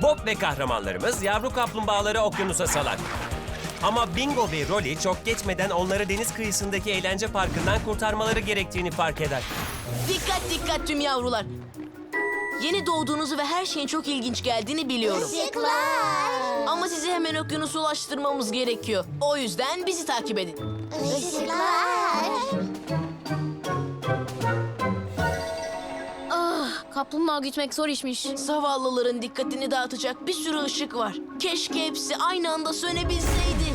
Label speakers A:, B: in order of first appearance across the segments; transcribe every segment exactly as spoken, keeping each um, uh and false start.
A: Bob ve kahramanlarımız yavru kaplumbağaları okyanusa salar. Ama Bingo ve Rolly çok geçmeden onları deniz kıyısındaki eğlence parkından kurtarmaları gerektiğini fark eder.
B: Dikkat dikkat tüm yavrular. Yeni doğduğunuzu ve her şeyin çok ilginç geldiğini biliyorum.
C: Işıklar.
B: Ama sizi hemen okyanusa ulaştırmamız gerekiyor. O yüzden bizi takip edin.
C: Işıklar.
D: Kaplumbağa gütmek zor işmiş.
B: Zavallıların dikkatini dağıtacak bir sürü ışık var. Keşke hepsi aynı anda sönebilseydi.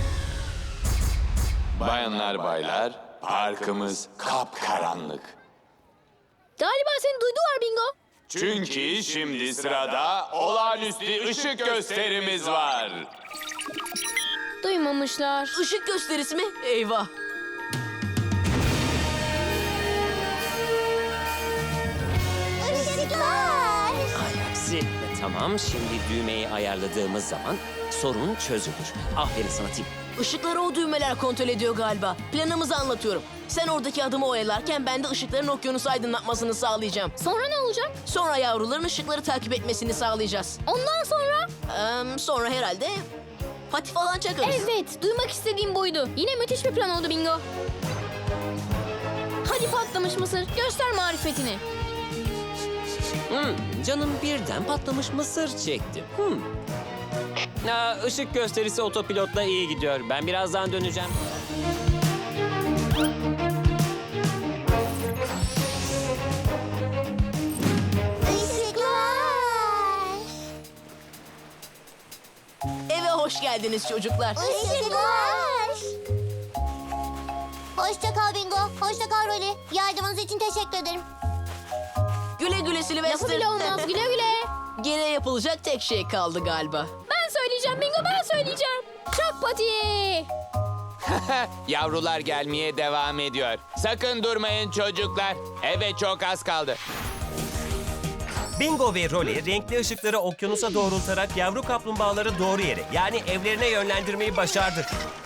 E: Bayanlar baylar, parkımız kapkaranlık.
D: Galiba seni duydular Bingo.
E: Çünkü şimdi sırada olağanüstü ışık gösterimiz var.
D: Duymamışlar.
B: Işık gösterisi mi? Eyvah.
C: Işıklar.
A: Ay aksi. E, Tamam, şimdi düğmeyi ayarladığımız zaman sorun çözülür. Aferin sana Tim.
B: Işıkları o düğmeler kontrol ediyor galiba. Planımızı anlatıyorum. Sen oradaki adımı oyalarken ben de ışıkların okyanusu aydınlatmasını sağlayacağım.
D: Sonra ne olacak?
B: Sonra yavruların ışıkları takip etmesini sağlayacağız.
D: Ondan sonra?
B: Ee, sonra herhalde pati falan çakarız.
D: Evet, duymak istediğim buydu. Yine müthiş bir plan oldu Bingo. Hadi patlamış mısır, göster marifetini.
A: Hmm, canım birden patlamış mısır çekti. Hmm. Aa, ışık gösterisi otopilotla iyi gidiyor. Ben birazdan döneceğim.
C: Işıklar.
B: Eve hoş geldiniz çocuklar.
C: Işıklar. Hoşça kal Bingo. Hoşça kal Rolly. Yardımınız için teşekkür ederim.
B: Güle güle Sylvester.
D: Lafı bile olmaz, güle güle.
B: Geriye yapılacak tek şey kaldı galiba.
D: Ben söyleyeceğim Bingo, ben söyleyeceğim. Çak patiyi.
E: Yavrular gelmeye devam ediyor. Sakın durmayın çocuklar. Eve çok az kaldı.
A: Bingo ve Rolly renkli ışıkları okyanusa doğrultarak yavru kaplumbağaları doğru yere, yani evlerine yönlendirmeyi başardı.